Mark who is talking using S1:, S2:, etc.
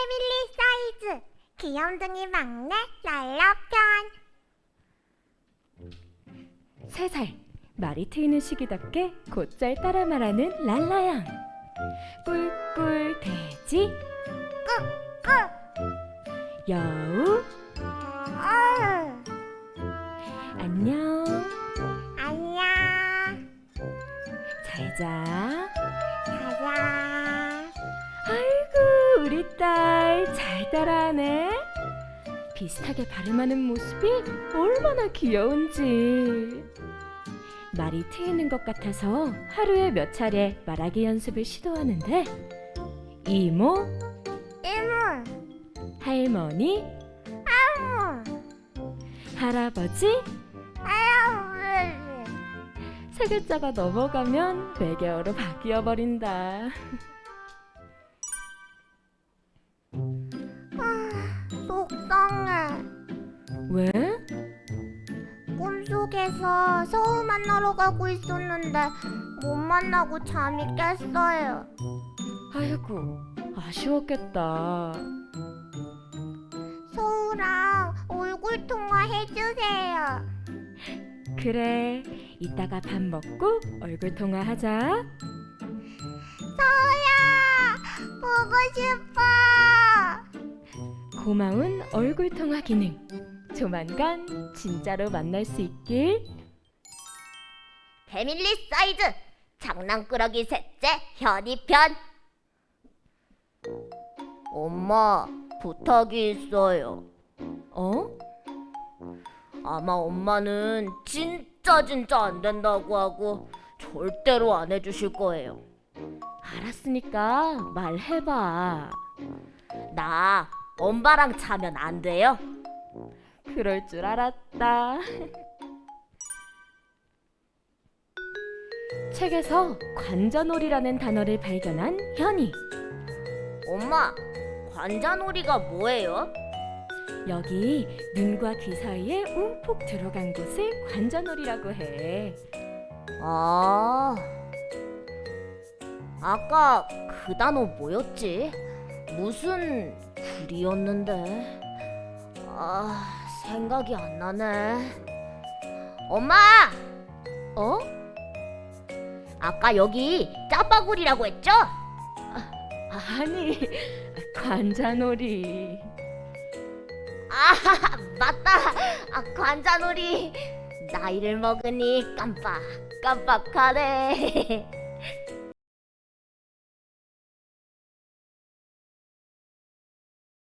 S1: 패밀리 사이즈 귀염둥이 막내 랄라편.
S2: 3살, 말이 트이는 시기답게 곧잘 따라 말하는 랄라양. 꿀꿀 돼지,
S1: 끄끄.
S2: 여우, 안녕,
S1: 안녕.
S2: 잘자.
S1: 가자.
S2: 아이고, 우리 딸 잘 따라하네. 비슷하게 발음하는 모습이 얼마나 귀여운지. 말이 트이는 것 같아서 하루에 몇 차례 말하기 연습을 시도하는데, 이모,
S1: 이모.
S2: 할머니, 할아버지, 세 글자가 넘어가면 매개어로 바뀌어 버린다.
S1: 속상해.
S2: 왜?
S1: 꿈속에서 서우 만나러 가고 있었는데 못 만나고 잠이 깼어요.
S2: 아이고, 아쉬웠겠다.
S1: 서우랑 얼굴 통화 해주세요.
S2: 그래, 이따가 밥 먹고 얼굴 통화하자.
S1: 서우야, 보고 싶어.
S2: 고마운 얼굴 통화 기능. 조만간 진짜로 만날 수 있길.
S1: 패밀리 사이즈 장난꾸러기 셋째 현이 편. 엄마, 부탁이 있어요.
S2: 어?
S1: 아마 엄마는 진짜 안 된다고 하고 절대로 안 해주실 거예요.
S2: 알았으니까 말해봐.
S1: 나 엄마랑 자면 안 돼요?
S2: 그럴 줄 알았다. 책에서 관자놀이라는 단어를 발견한 현이.
S1: 엄마, 관자놀이가 뭐예요?
S2: 여기 눈과 귀 사이에 움푹 들어간 곳을 관자놀이라고 해.
S1: 아, 아까 그 단어 뭐였지? 무슨 굴이었는데? 생각이 안 나네. 엄마!
S2: 어?
S1: 아까 여기 짜파구리라고 했죠?
S2: 아니, 관자놀이.
S1: 맞다. 관자놀이. 나이를 먹으니 깜빡하네.